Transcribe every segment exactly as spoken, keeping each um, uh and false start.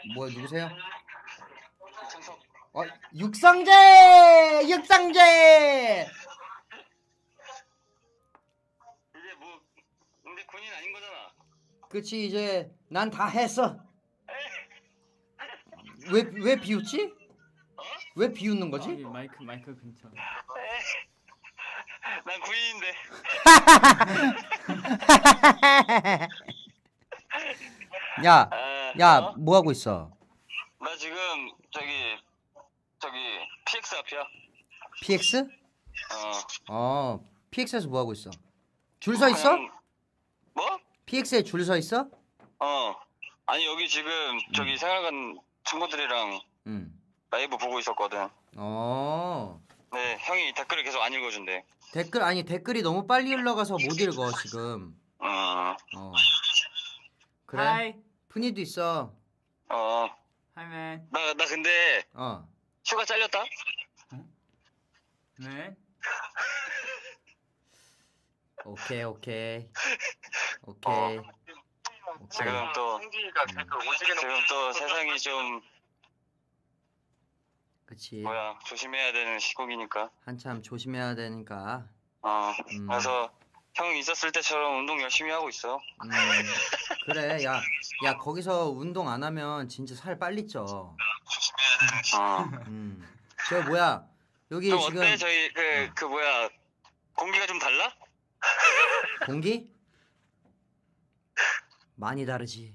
뭐야 누구세요? 창석. 어 육성재 육성재. 이제 뭐 근데 군인 아닌 거잖아. 그치 이제 난 다 했어. 왜 왜 비웃지? 어? 왜 비웃는 아, 거지? 이 마이크 마이크 근처. 난 군인인데. 야, 아, 야, 어? 뭐 하고 있어? 나 지금 저기 저기 피엑스 앞이야. 피엑스? 어. 어, 피엑스에서 뭐 하고 있어? 줄 서 있어? 그냥- 뭐? 피엑스에 줄 서 있어? 어. 아니 여기 지금 저기 생활관 친구들이랑 응. 라이브 보고 있었거든. 어. 네, 형이 댓글을 계속 안 읽어준대. 댓글 아니 댓글이 너무 빨리 흘러가서 못 읽어 지금. 어. 어. 그래. Hi, 푼이도 있어. 어. hi man. 나, 나 근데 어. 휴가 잘렸다? 네. 오케이 오케이. 오케이. 오케이. 지금 또 지금 또 세상이 좀 그치. 뭐야 조심해야 되는 시국이니까. 한참 조심해야 되니까. 어. 음. 그래서 형 있었을 때처럼 운동 열심히 하고 있어. 음. 그래. 야, 야 거기서 운동 안 하면 진짜 살 빨리 쪄. 어. 음. 저 뭐야? 여기 좀 지금 어때? 저희 그 어. 그 뭐야 공기가 좀 달라? 공기? 많이 다르지.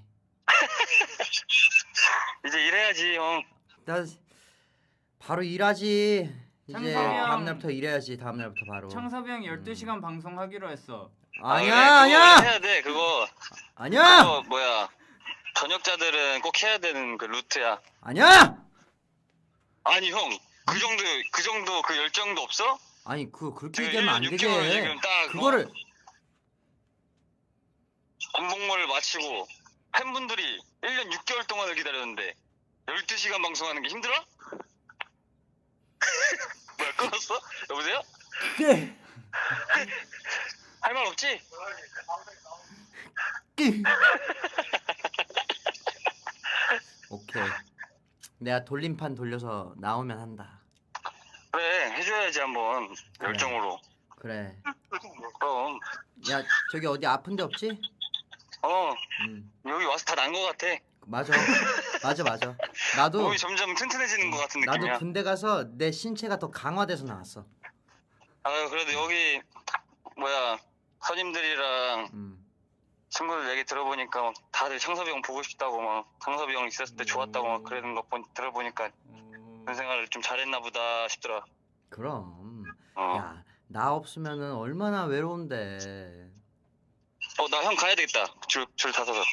이제 일해야지 형. 나 바로 일하지. 이제 창섭이 형. 다음 날부터 일해야지. 다음 날부터 바로. 창섭이 형 열두 시간 방송하기로 했어. 아, 아니야, 그래, 그거 아니야. 해야 돼 그거. 아니야. 그거 뭐야 저녁자들은 꼭 해야 되는 그 루트야. 아니야. 아니 형 그 정도 그 정도 그 열정도 없어? 아니 그 그렇게 지금 얘기하면 안 일 년 되게. 육 개월 지금 딱 그거를 군복무를 마치고 팬분들이 일 년 육 개월 동안을 기다렸는데 열두 시간 방송하는 게 힘들어? 뭐야 끊었어? 여보세요? 그게 할 말 없지? 오케이. 내가 돌림판 돌려서 나오면 한다. 그래 해줘야지 한번 그래. 열정으로. 그래. 그럼 야 저기 어디 아픈 데 없지? 어 음. 여기 와서 다 난 거 같아. 맞아. 맞아 맞아. 나도 몸이 점점 튼튼해지는 것 같은 느낌이야. 나도 군대 가서 내 신체가 더 강화돼서 나왔어. 아 그래도 여기 뭐야 선임들이랑 음. 친구들 얘기 들어보니까 막 다들 창섭이 형 보고 싶다고 막 창섭이 형 있었을 때 좋았다고 막 그러는 거 보, 들어보니까 어... 군 생활을 좀 잘했나 보다 싶더라. 그럼. 어. 야, 나 없으면은 얼마나 외로운데. 어, 나 형 가야 되겠다. 줄, 줄 다 서서.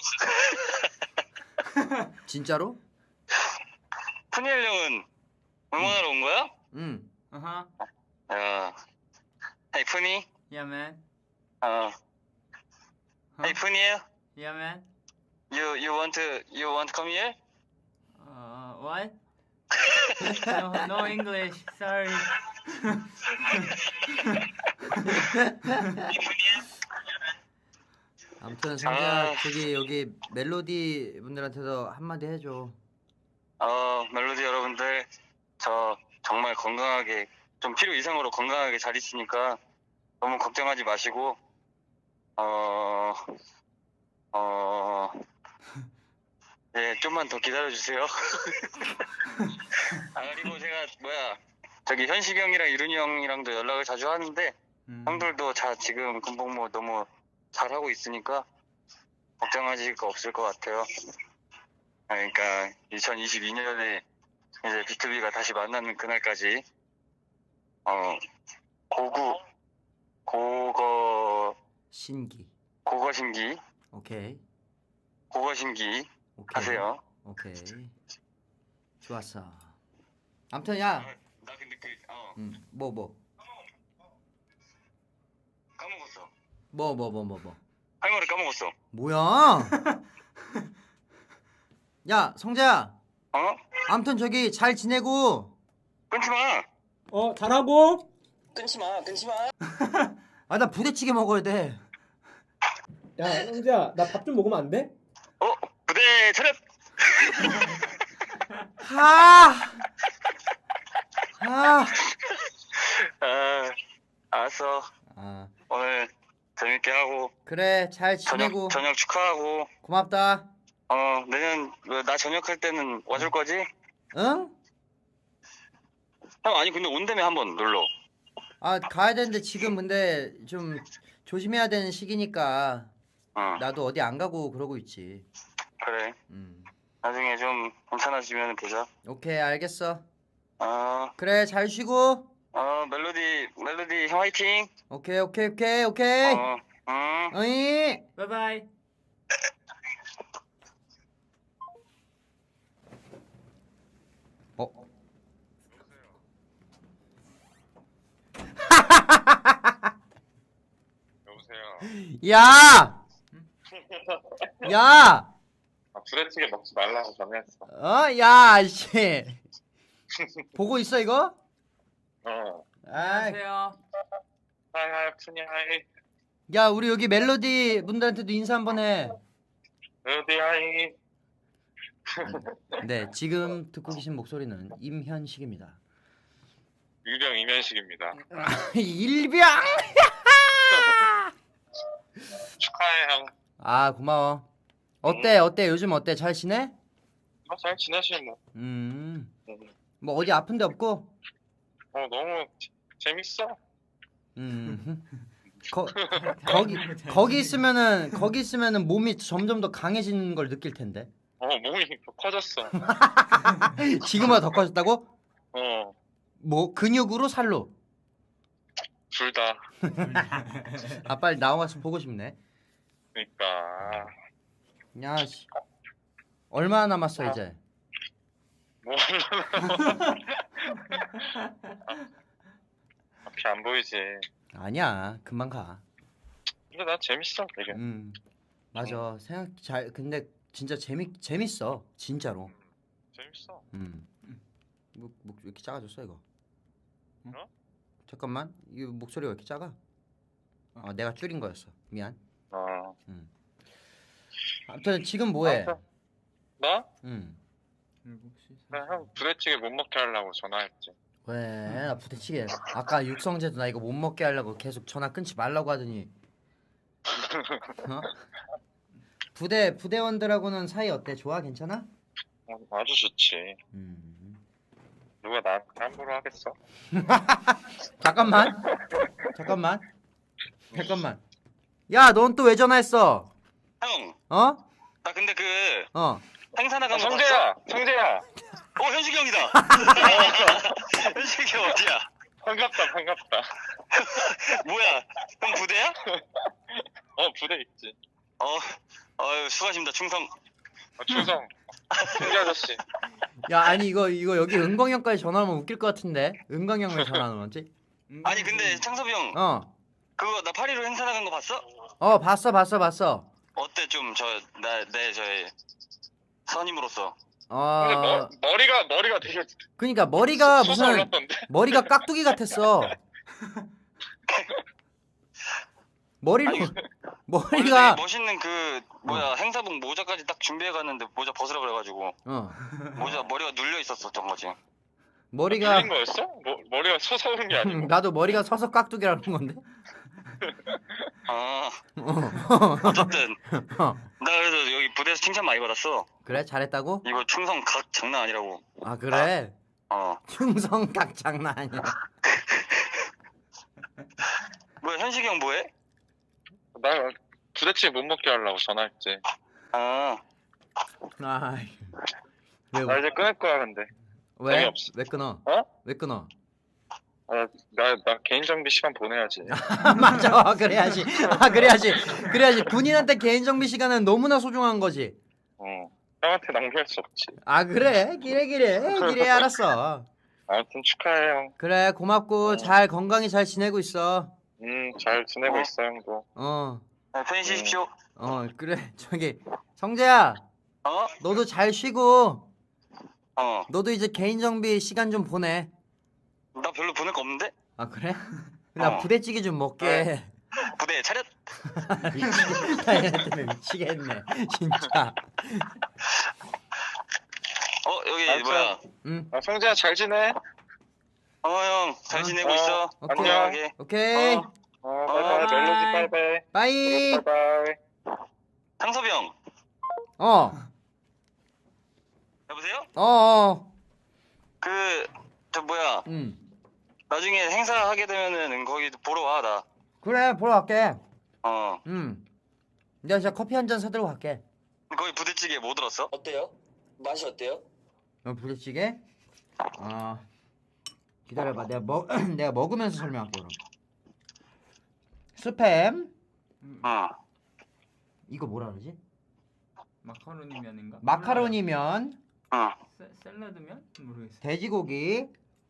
진짜로? 푸니엘 형은 응원하러 온 거야? 응. Uh-huh. 야. Hey, 푸니? Yeah man. 어. Huh? Hey, 푸니엘? Yeah man. You, you want to, you want to come here? Uh, what? no, no English. Sorry. 아무튼 성재야 아. 저기 여기 멜로디 분들한테도 한마디 해줘. 어, 멜로디 여러분들, 저 정말 건강하게, 좀 필요 이상으로 건강하게 잘 있으니까 너무 걱정하지 마시고, 어, 어, 네, 좀만 더 기다려주세요. 아, 그리고 제가, 뭐야, 저기 현식이 형이랑 이룬이 형이랑도 연락을 자주 하는데, 음. 형들도 다 지금 군복무 너무 잘하고 있으니까 걱정하실 거 없을 것 같아요. 아, 그러니까 이천이십이 년에 이제 비투비가 다시 만나는 그날까지 어 고구 고거 신기. 고거신기 오케이. 고거신기 오케이. 하세요. 오케이. 좋았어. 아무튼 야. 나 근데 그어 응. 뭐 뭐. 까먹었어. 뭐 뭐 뭐 뭐 뭐. 할 말을 까먹었어. 뭐야? 야, 성재야. 어? 아무튼 저기 잘 지내고. 끊지 마. 어, 잘하고. 끊지 마. 끊지 마. 아, 나 부대찌개 먹어야 돼. 야, 형제야, 나 밥 좀 먹으면 안 돼? 어? 부대 차렷. 아, 아, 아, 알았어. 아, 오늘 재밌게 하고 그래, 잘 지내고 저녁 저녁 축하하고. 고맙다. 어, 내년 뭐, 나 전역할 때는 와줄 거지? 응? 형, 아니 근데 온다며 한번 놀러. 아, 가야 되는데 지금 근데 좀 조심해야 되는 시기니까 어, 나도 어디 안 가고 그러고 있지. 그래. 음, 나중에 좀 괜찮아지면 보자. 오케이, 알겠어. 어, 그래, 잘 쉬고. 어, 멜로디, 멜로디 형 화이팅. 오케이, 오케이, 오케이, 오케이. 어, 음. 어이. Bye bye. 어? 여보세요. 야! 야! 아, 부대찌개 먹지 말라고 전화했어. 어? 야, 씨. 보고 있어, 이거? 어. 아, 안녕하세요. 하이 하이 푸니 하이. 야, 우리 여기 멜로디 분들한테도 인사 한번 해. 멜로디 하이. 네, 지금 듣고 계신 목소리는 임현식입니다. 유령 이면식입니다. 일병! 축하해 형. 아, 고마워. 어때, 어때? 요즘 어때? 잘 지내? 어, 잘 지내시 뭐. 음, 음. 뭐 어디 아픈 데 없고? 어 너무 재- 재밌어. 음, 거, 거기, 거기 있으면은, 거기 있으면은 몸이 점점 더 강해지는 걸 느낄 텐데. 어 몸이 더 커졌어. 지금보다 더 커졌다고? 어 뭐, 근육으로 살로? 둘 다. 아, 빨리 나와서 보고 싶네. 그러니까 야, 씨. 얼마나 남았어, 이제? 뭐 앞이 안 보이지. 아니야, 금방 가. 근데 나 재밌어 되게. 음, 맞아. 생각 잘, 근데 진짜 재미, 재밌어. 진짜로. 재밌어. 음. 목, 목, 왜 이렇게 작아졌어, 이거? 어? 잠깐만, 이 목소리가 왜 이렇게 작아? 아, 내가 줄인 거였어. 미안. 어. 아무튼 지금 뭐해? 알았어. 나? 음. 나 형 부대찌개 못 먹게 하려고 전화했지. 왜? 나 부대찌개. 아까 육성재도 나 이거 못 먹게 하려고 계속 전화 끊지 말라고 하더니. 어? 부대 부대원들하고는 사이 어때? 좋아? 괜찮아? 어, 아주 좋지. 음. 누가 나한테 함부로 하겠어? 잠깐만. 잠깐만. 잠깐만. 야, 넌 또 왜 전화했어? 형, 어? 나 근데 그 어. 행사 나간 아, 거 봤어? 성재야, 성재야. 어, 현식이 형이다. 현식이 형 어디야? 반갑다, 반갑다. 뭐야? 형 부대야? 어 부대 있지. 어, 어유 수고하십니다. 충성. 어, 충성. 성재 아저씨. 야, 아니 이거 이거 여기 은광 형까지 전화하면 웃길 것 같은데. 은광 형 왜 전화하는 거지? 아니 근데 창섭이 형 어. 그거 나 파리로 행사 나간 거 봤어? 어, 봤어. 봤어. 봤어. 어때 좀 저 나 내 저의 선임으로서. 근데 머, 어. 머리가 머리가 되게 그러니까 머리가 무슨 솟아올랐던데. 머리가 깍두기 같았어. 머리로 아니, 머리가 원래 되게 멋있는 그 뭐야 행사복 모자까지 딱 준비해 갔는데 모자 벗으라 그래가지고 어. 모자 머리가 눌려 있었었던 거지. 머리가 눌린 거였어? 머, 머리가 솟아오른 게 아니고. 나도 머리가 서서 깍두기라는 건데. 아 어. 어쨌든 어. 나 그래서 여기 부대에서 칭찬 많이 받았어. 그래? 잘했다고? 이거 충성 각 장난 아니라고. 아, 그래. 어 충성각 장난 아니야. 뭐야 현식이 형 뭐해? 나 부대찌개 못 먹게 하려고 전화했지. 아 아. 왜 나 이제 끊을 거야 근데. 왜? 재미없어. 왜 끊어? 어? 왜 끊어? 아, 나, 나 개인 정비 시간 보내야지. 아, 맞아. 그래야지. 아, 그래야지. 그래야지. 군인한테 개인 정비 시간은 너무나 소중한 거지. 어. 형한테 낭비할 수 없지. 아, 그래. 기래 기래. 기래 알았어. 아무튼 축하해 형. 그래, 고맙고 잘 건강히 잘 지내고 있어. 음, 잘 지내고 어. 있어 형도. 어. 네, 편히 쉬십시오. 어, 그래. 저기 성재야. 어? 너도 잘 쉬고 어. 너도 이제 개인 정비 시간 좀 보내. 나 별로 보낼 거 없는데? 아, 그래? 나 어. 부대찌개 좀 먹게. 부대 차렷. 미치겠다. 얘네 때문에 미치겠네. 진짜. 어 여기 알았어. 뭐야? 응. 아, 성재야 잘 지내? 어, 형, 잘 어. 지내고 어. 있어? 오케이. 건강하게. 오케이. 어. 어, 바이바이. 바이. 멜로디 바이바이. 빠이. 바이바이. 상섭이 형, 어. 여보세요? 어. 어. 그, 저 뭐야? 응. 나중에 행사 하게 되면은 거기 보러 와, 나. 그래 보러 갈게. 어. 응. 내가 진짜 커피 한 잔 사들고 갈게. 거기 부대찌개 뭐 들었어? 어때요? 맛이 어때요? 어, 부대찌개? 아 기다려봐. 내가 먹 내가 먹으면서 설명할게 그럼. 스팸. 응. 이거 뭐라 그러지? 마카로니 면인가? 마카로니면, 응. 세, 샐러드면? 모르겠어. 돼지고기,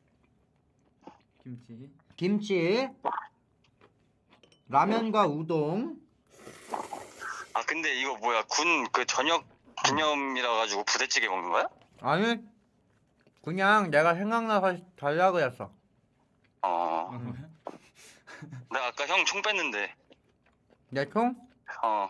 김치. 김치, 라면과 우동. 아, 근데 이거 뭐야? 군 그 저녁 기념이라 가지고 부대찌개 먹는 거야? 아니 그냥 내가 생각나서 달라고 했어. 어. 어. 나 아까 형 총 뺐는데. 내 총? 어.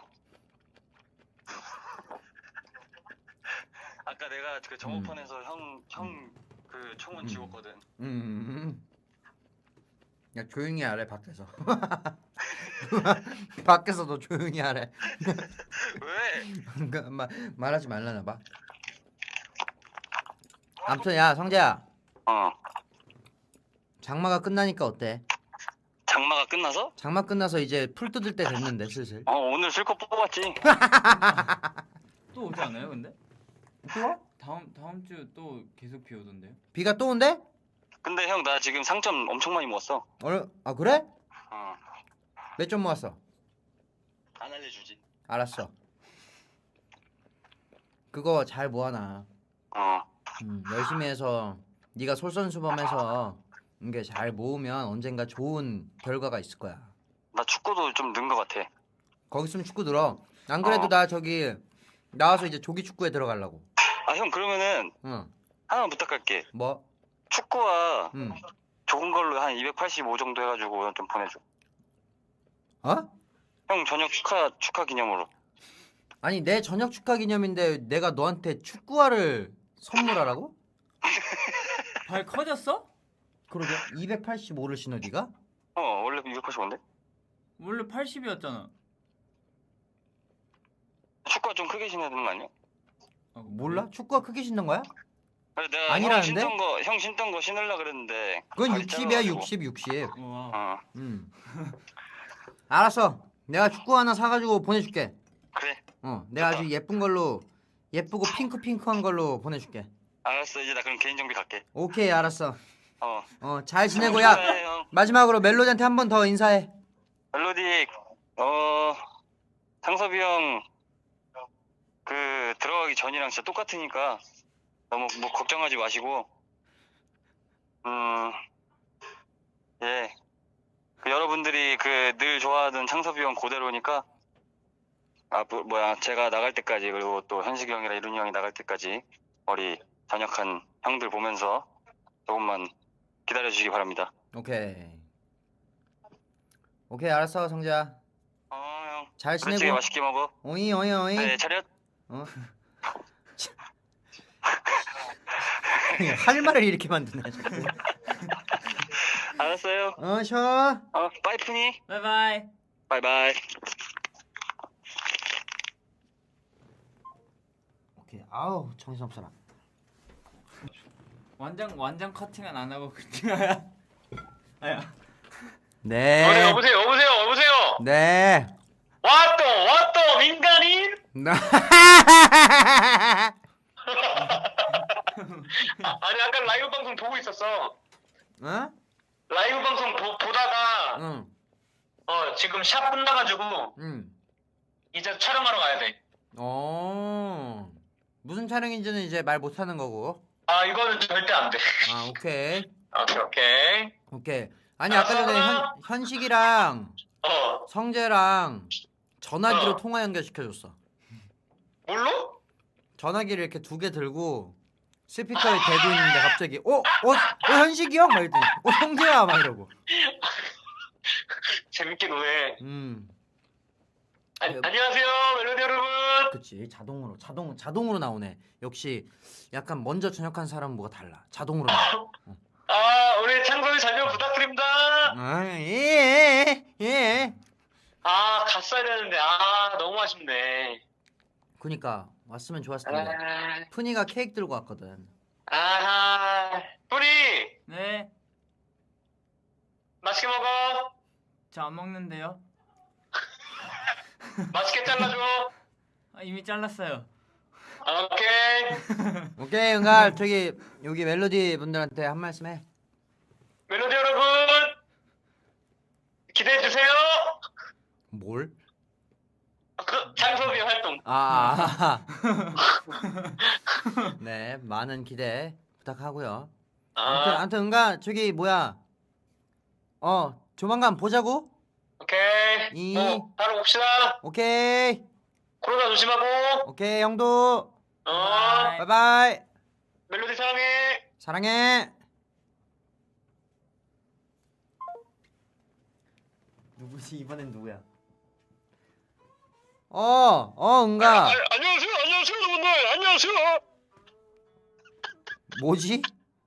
아까 내가 그 정오판에서 형, 형 그 총은 음. 지웠거든. 음. 야 조용히 하래 밖에서. 밖에서 너 조용히 하래. 왜? 그, 마, 말하지 말라나 봐. 아무튼 야 성재야, 어. 장마가 끝나니까 어때? 장마가 끝나서? 장마 끝나서 이제 풀 뜯을 때 됐는데 슬슬. 어, 오늘 실컷 뽑았지. 또 오지 않아요, 근데? 또? 다음 다음 주 또 계속 비 오던데요? 비가 또 온대? 근데 형 나 지금 상점 엄청 많이 모았어. 어, 아 그래? 어. 몇 점 모았어? 안 알려주지. 알았어. 그거 잘 모아놔. 어. 음, 열심히 해서 네가 솔선수범해서 이게 잘 모으면 언젠가 좋은 결과가 있을 거야. 나 축구도 좀 는 것 같아. 거기 있으면 축구 들어. 안 그래도 어. 나 저기 나와서 이제 조기 축구에 들어가려고. 아, 형 그러면은 응. 하나만 부탁할게. 뭐? 축구와 응. 좋은 걸로 한 이백팔십오 정도 해가지고 좀 보내줘. 어? 형 저녁 축하 축하 기념으로. 아니 내 저녁 축하 기념인데 내가 너한테 축구화를 선물하라고? 발 커졌어? 그러게 이백팔십오를 신어 네가? 어, 원래 이백팔십오인데? 원래 팔십이었잖아. 축구가 좀 크게 신어야 되는 거 아니야? 몰라? 축구화 크게 신는 거야? 그래, 내가 아니라는데? 형 신던 거, 형 신던 거 신으려 그랬는데. 그건 발이 육십이야 짧아가지고. 육십 육십. 와. 어, 음. 알았어. 내가 축구 하나 사가지고 보내줄게. 그래. 어, 내가 아주 예쁜 걸로 예쁘고 핑크 핑크한 걸로 보내줄게. 알았어, 이제 나 그럼 개인 정비 갈게. 오케이 알았어. 어. 어, 잘 지내고 야 축하해, 형. 마지막으로 멜로디한테 한 번 더 인사해. 멜로디, 어, 상섭이 형, 그, 들어가기 전이랑 진짜 똑같으니까 너무 뭐 걱정하지 마시고, 음, 예. 그 여러분들이 그 늘 좋아하던 창섭이 형 그대로니까, 아, 뭐, 뭐야, 제가 나갈 때까지, 그리고 또 현식이 형이랑 이룬이 형이 나갈 때까지, 우리 단역한 형들 보면서 조금만 기다려주시기 바랍니다. 오케이. 오케이 알았어 성재야. 어, 형. 잘 부대찌개 지내고. 맛있게 먹어. 오이 오이 오이. 네, 차렷. 어. 할 말을 이렇게 만드네. 자꾸. 알았어요. 어 쉬어. 어, 빠이프니. 바이바이. 바이바이. 오케이. 아우 정신없어라. 완전 완전 커팅은 안 하고 그냥. 아야. 네. 여보세요, 여보세요, 여보세요, 여보세요. 네. 왔또, 왔또, 민간인. 아니 아까 라이브 방송 보고 있었어. 어? 라이브 방송 보, 보다가 응. 어 지금 샵 끝나가지고 응. 이제 촬영하러 가야 돼. 어. 무슨 촬영인지는 이제 말 못하는 거고. 아 이거는 절대 안 돼. 아 오케이. 오케이 오케이. 오케이. 아니 아까 전에 현, 현식이랑 어 성재랑 전화기로 어. 통화 연결시켜줬어. 뭘로? 전화기를 이렇게 두 개 들고 스피커에 대고 있는데 갑자기 어? 어? 어 현식이 형? 막 이러더니 어 성재야? 막 이러고. 재밌게 노래. 음. 아, 안녕하세요, 멜로디 여러분. 그치 자동으로 자동 자동으로 나오네. 역시 약간 먼저 전역한 사람은 뭐가 달라. 자동으로 나와. 아, 우리 창섭이 자료 부탁드립니다. 아예 예. 아, 갔어야 되는데, 아, 너무 아쉽네. 그니까 왔으면 좋았을 텐데. 아, 푸니가 케이크 들고 왔거든. 아하. 뿌리, 네, 맛있게 먹어. 저 안 먹는데요. 맛있게 잘라줘. 아, 이미 잘랐어요. 아, 오케이. 오케이 은갈 저기 여기 멜로디 분들한테 한 말씀 해. 멜로디 여러분, 기대해주세요. 뭘? 그, 창섭이 활동. 아, 네 많은 기대 부탁하고요. 아무튼 아, 아무튼 은가 저기 뭐야? 어 조만간 보자고. 오케이. 이- 어, 바로 봅시다. 오케이 코로나 조심하고. 오케이 형도 어, 바이. 바이바이 멜로디 사랑해. 사랑해. 누구지 이번엔 누구야? 어, 어, 은가. 아, 안녕하세요, 안녕하세요, 여러분들. 안녕하세요. 뭐지?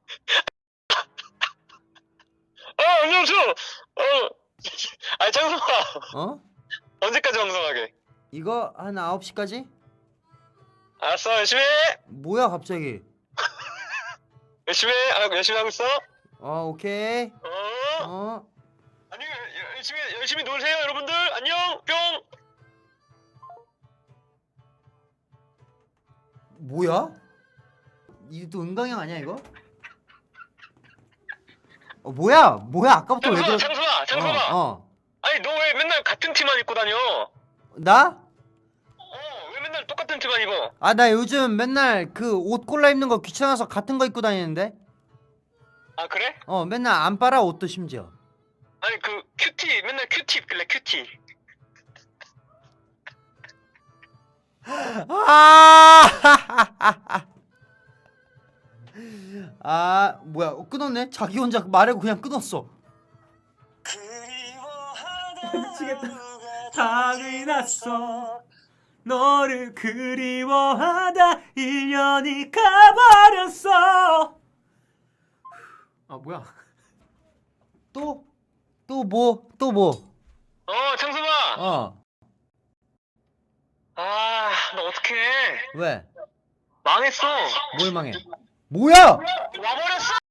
아, 안녕하세요. 어, 아, 창섭아. 어? 언제까지 방송하게? 이거 한 아홉 시까지? 알았어, 열심히 해. 뭐야 갑자기? 열심히 해. 아, 열심히 하고 있어. 어, 오케이. 어. 어. 아니, 열- 열심히 열심히 놀세요, 여러분들. 안녕. 뿅. 뭐야? 이게 또 은강형 아니야 이거? 어, 뭐야? 뭐야? 아까부터 왜 창섭아, 그래? 창섭아, 창섭아. 어, 어. 아니, 너 왜 맨날 같은 티만 입고 다녀? 나? 어, 왜 맨날 똑같은 티만 입어? 아, 나 요즘 맨날 그 옷 골라 입는 거 귀찮아서 같은 거 입고 다니는데? 아, 그래? 어, 맨날 안 빨아 옷도 심지어. 아니, 그 큐티 맨날 큐티 입길래 큐티. 아! 아, 뭐야? 어, 끊었네? 자기 혼자 말하고 그냥 끊었어. 미치겠다. 당이 났어. 너를 그리워하다 일 년이 가버렸어. 아 뭐야? 또? 또 뭐? 또 뭐? 어, 창섭아. 어. 아, 너 어떡해? 왜? 망했어. 뭘 망해? 뭐야? 와버렸어.